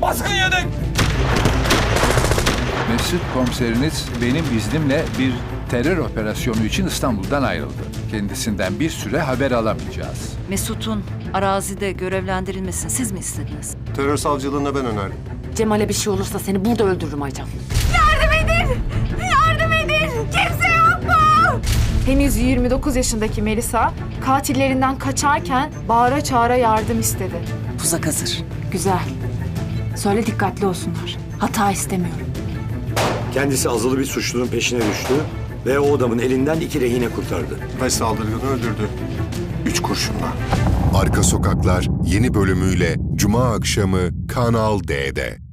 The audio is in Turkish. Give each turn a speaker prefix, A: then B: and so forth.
A: Baskın yedik!
B: Mesut komiseriniz benim iznimle bir terör operasyonu için İstanbul'dan ayrıldı. Kendisinden bir süre haber alamayacağız.
C: Mesut'un arazide görevlendirilmesini siz mi istediniz?
D: Terör savcılığına ben önerdim.
E: Cemal'e bir şey olursa seni burada öldürürüm Aycan.
F: Yardım edin! Yardım edin! Kimse yok mu?
G: Henüz 29 yaşındaki Melisa katillerinden kaçarken bağıra çağıra yardım istedi.
C: Tuzak hazır.
E: Güzel. Söyle dikkatli olsunlar. Hata istemiyorum.
H: Kendisi azılı bir suçlunun peşine düştü ve o adamın elinden 2 rehine kurtardı.
D: Ve saldırganı öldürdü. 3 kurşunla.
I: Arka Sokaklar yeni bölümüyle Cuma akşamı Kanal D'de.